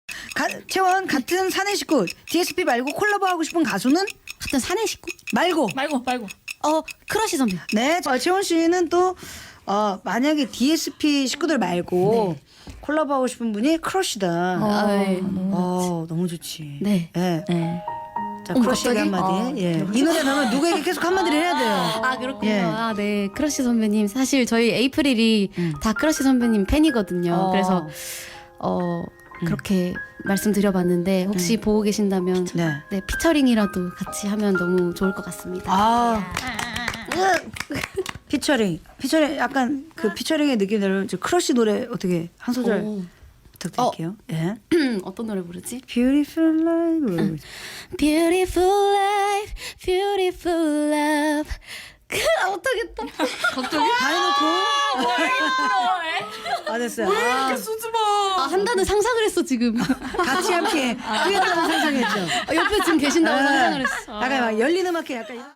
채원 같은 사내 식구 DSP 말고 콜라보하고 싶은 가수는 같은 사내 식구? 말고. 말고. 크러쉬 선배. 네, 채원 씨는 또 만약에 DSP 식구들 말고 콜라보하고 싶은 분이 크러쉬다. 네. 너무 좋지. 네. 네. 네. 자, 크러쉬에게 한마디. 예. 이 노래 나오면 누구에게 계속 한마디를 해야 돼요. 아 그렇군요. 예. 네. 크러쉬 선배님 사실 저희 에이프릴이 다 크러쉬 선배님 팬이거든요. 그래서 그렇게 말씀드려봤는데 혹시 보고 계신다면 네. 피처링이라도 같이 하면 너무 좋을 것 같습니다. 피처링 약간 그 피처링의 느낌대로 저 크러쉬 노래 어떻게 한 소절 부탁드릴게요. 예. 어떤 노래 부르지? Beautiful life. Beautiful life, beautiful love. 못하겠다. 갑자기 다 해놓고. 됐어요. 수줍어. 한다는 상상을 했어 지금. 같이 함께 뛰었다는 상상했죠. 옆에 지금 계신다고 상상을 했어. 약간 막 열린 음악회 약간.